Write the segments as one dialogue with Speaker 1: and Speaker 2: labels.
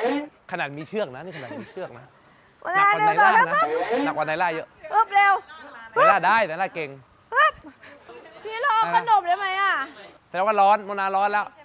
Speaker 1: ขนาดมีเชือกนะนี่ขนาดมีเชือกนะ
Speaker 2: เว
Speaker 1: หนั
Speaker 2: ลาก
Speaker 1: กว่าไนล่านะหนักกว่าไนล่าเยอะ
Speaker 2: ปึ๊บเร็ว
Speaker 1: ไนล่าได้ไนล่าเก่ง
Speaker 2: ปึ๊บพี่รอขนมได้ไหมอ่ะ
Speaker 1: แต่ว่าร้อนโมนาร้อนแล้ว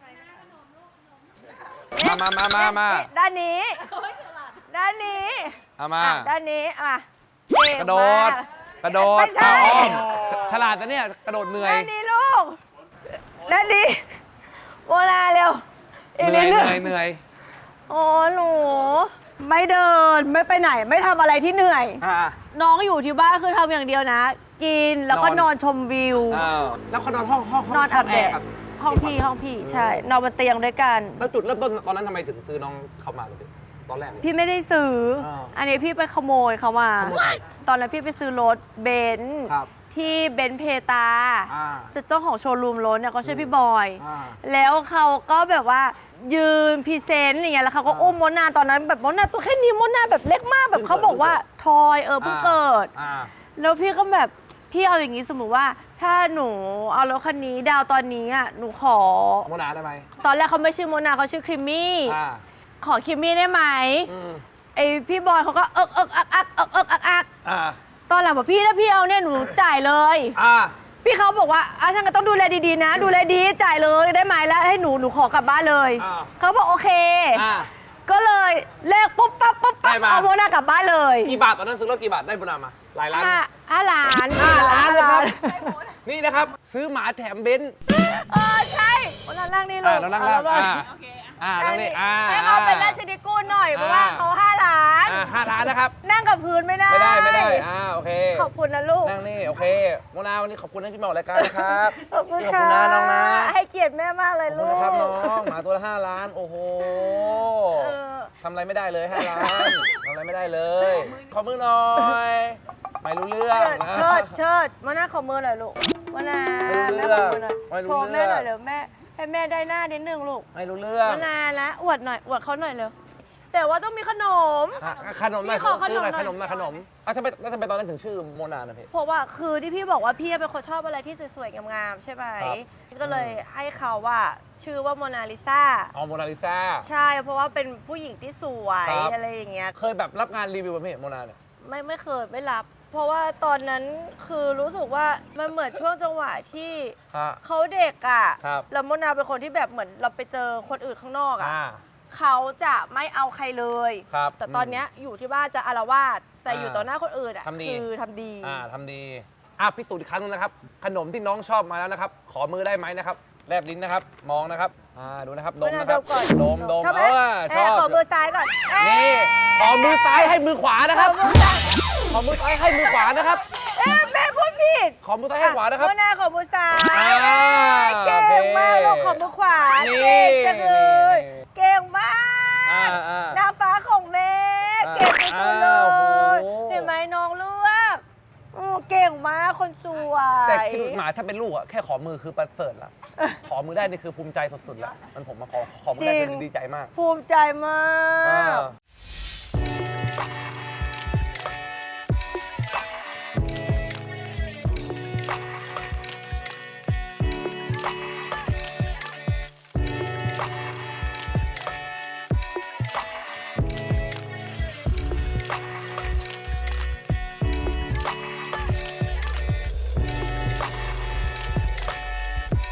Speaker 1: มา
Speaker 2: ด้านนี้ด้านนี้
Speaker 1: เอามา
Speaker 2: ด้านนี้อ่ะ
Speaker 1: กระโดดกระโดด
Speaker 2: ไม่ใช่
Speaker 1: อ้อมฉลาดนะเนี่ยกระโดดเหนื่อย
Speaker 2: ด้านนี้ลูกด้านนี้โมนาเร็วอีก
Speaker 1: เห
Speaker 2: นิ
Speaker 1: นื่
Speaker 2: ด
Speaker 1: อย
Speaker 2: นึง
Speaker 1: เหนื่อย
Speaker 2: โอ้หนูไม่เดินไม่ไปไหนไม่ทำอะไรที่เหนื่อย น้องอยู่ที่บ้านคือทำอย่างเดียวนะ กินแล้วก็นอนชมวิว
Speaker 1: แล้วเขานอนห้อง
Speaker 2: นอนอาบแดด
Speaker 1: ครับ
Speaker 2: ห้องพี่ใช่นอนบนเตียงด้วยกัน
Speaker 1: แล้วจุดเริ่มต้นตอนนั้นทำไมถึงซื้อน้องเข้ามาเลยตอนแรกเลย
Speaker 2: พี่ไม่ได้ซื้อ อันนี้พี่ไปขโมยเขามา
Speaker 1: ขโมยใคร
Speaker 2: ตอนนั้นพี่ไปซื้อรถเบนซ์
Speaker 1: ครับ
Speaker 2: ที่เบนซ์เพตา
Speaker 1: อ่า
Speaker 2: เจ้าของโชว์รูมรถเนี่ยเขาชื่อพี่บอย
Speaker 1: อ่า
Speaker 2: แล้วเขาก็แบบว่ายืนพรีเซนต์อย่างเงี้ยแล้วเขาก็อุ้มมดนาตอนนั้นแบบมดนาตัวแค่นี้มดนาแบบเล็กมากแบบเขาบอกว่าทอยเพิ่งเกิด แล้วพี่ก็แบบพี่เอาอย่างนี้สมมติว่าถ้าหนูเอารถคันนี้ดาวตอนนี้อ่ะหนูขอ
Speaker 1: โมนาได้ไหม
Speaker 2: ตอนแรกเขาไม่ชื่อโมนาเขาชื่อครีมมี่
Speaker 1: อ่า
Speaker 2: ขอครีมมี่ได้ไหมไอพี่บอยเขาก็อัก
Speaker 1: อ่า
Speaker 2: ตอนหลังบอกพี่ถ้าพี่เอาเนี่ยหนูจ่ายเลย พี่เขาบอกว่าท่านก็ต้องดูแลดีๆนะ ดูแลดีจ่ายเลยได้ไหมแล้วให้หนูขอกลับบ้านเลยเขาบอกโอเคก็เลยเลขปุ๊บปั๊บเอาโมนากลับบ้านเลย
Speaker 1: กี่บาทตอนนั้นซื้อรถกี่บาทได้โมนามาหลายล้าน
Speaker 2: 5 ล้าน
Speaker 1: 5 ล้านเลยครับนี่นะครับซื้อหมาแถมเบนซ์
Speaker 2: ใช่โมนานั่งนี่ลูก
Speaker 1: เรานั่งล่างนั่งนี่
Speaker 2: ให้เขาเป็นราชนิกูลหน่อยเพราะว่าเขา5 ล้าน
Speaker 1: 5 ล้านนะครับ
Speaker 2: นั่งกับพื้นไม่ได้
Speaker 1: ไม่ได้โอเค
Speaker 2: ขอบคุณนะลูก
Speaker 1: นั่งนี่โอเคโมนาวันนี้ขอบคุณที่มาออกรายการนะครับ
Speaker 2: ขอบคุณ
Speaker 1: ขอบคุณนะน้องนะ
Speaker 2: ให้เกียรติแม่มากเลย
Speaker 1: ขอบ
Speaker 2: ลู
Speaker 1: คุณ
Speaker 2: ก
Speaker 1: นะครับน้องหมาตัวละ5 ล้านโอ้โห
Speaker 2: เออ
Speaker 1: ทำอะไรไม่ได้เลย5 ล้านทำอะไรไม่ได้เลย ขอมือหน่อย ไม่รู้เรื่องนะ
Speaker 2: เชิดมาหน้าขอมือหน่อยลูกมาหน้า
Speaker 1: ไม่
Speaker 2: แม่
Speaker 1: รู้
Speaker 2: ข
Speaker 1: เรื่
Speaker 2: อ
Speaker 1: อง
Speaker 2: มือหน่อย
Speaker 1: ไม่รู้
Speaker 2: โชว์
Speaker 1: เรื่
Speaker 2: แม่
Speaker 1: อง
Speaker 2: หน่อยเร็วแม่ให้แม่ได้หน้านิดนึงลูก
Speaker 1: ไม่รู้เรื่อง
Speaker 2: มาหน้าละอวดหน่อยอวดเขาหน่อยเร็วแต่ว่าต้องมีขนม
Speaker 1: ขนมหน่อย
Speaker 2: พี่ขอขนมหน่อย
Speaker 1: ขนมทำไมตอนนั้นถึงชื่อโมนานะพี่
Speaker 2: เพราะว่าคือที่พี่บอกว่าพี่เป็นคนชอบอะไรที่สวยๆงามๆใช่ไหม
Speaker 1: ครับ
Speaker 2: ก็เลยให้เขาว่าชื่อว่าโมนาลิซา
Speaker 1: อ๋อโมนาลิซา
Speaker 2: ใช่เพราะว่าเป็นผู้หญิงที่สวย
Speaker 1: ครับ
Speaker 2: อะไรอย่างเงี้ย
Speaker 1: เคยแบบรับงานรีวิวป่ะพี่โมนาเนี่ย
Speaker 2: ไม่เคยไม่รับ เพราะว่าตอนนั้นคือรู้สึกว่ามันเหมือนช่วงจังหวะที่
Speaker 1: ฮะ
Speaker 2: เขาเด็กอ่ะ
Speaker 1: ครับ
Speaker 2: แล้วโมนาเป็นคนที่แบบเหมือนเราไปเจอคนอื่นข้างนอกอ่ะ
Speaker 1: อ่า
Speaker 2: เขาจะไม่เอาใครเลย
Speaker 1: ครับ
Speaker 2: แต่ตอนเนี้ยอยู่ที่บ้านจะอาละวาดแต่อยู่ต่อหน้าคนอื่นอ่ะ
Speaker 1: ทำดี
Speaker 2: คือทำดี
Speaker 1: ทำดีพิสูจน์อีกครั้งนึงนะครับ ขนมที่น้องชอบมาแล้วนะครับ ขอมือได้ไหมนะครับ แลบลิ้นนะครับ มองนะครับ ดูนะครับ ดมนะครับ
Speaker 2: ก่อน
Speaker 1: ดม
Speaker 2: ชอบไหม
Speaker 1: ชอบ
Speaker 2: ขอมือซ้ายก่อน
Speaker 1: นี่ ขอมือซ้ายให้มือขวานะค
Speaker 2: ข
Speaker 1: รั
Speaker 2: อบ มือซ้าย
Speaker 1: ขอมือซ้ายให้มือขวานะครับ
Speaker 2: แม่พูดผิด
Speaker 1: ขอมือซ้ายให้ขวานะครับ
Speaker 2: โมนาขอมือซ้าย
Speaker 1: โอเค
Speaker 2: เก่งมากลูกขอมือขวา
Speaker 1: นี่
Speaker 2: เก่งจังเลย เก่งมาก
Speaker 1: อ่า
Speaker 2: นางฟ้าของแม่เก่งจังเล
Speaker 1: โอ้โห
Speaker 2: ยเห็นไหมน้องเลือกเก่งมากคนสวย
Speaker 1: แต่คิดดูหมาถ้าเป็นลูกอะแค่ขอมือคือประเสริฐแล้ว ขอมือได้นี่คือภูมิใจสุดๆแล้วมันผมมาขอมือได้คือดีใจมาก
Speaker 2: ภูมิใจมาก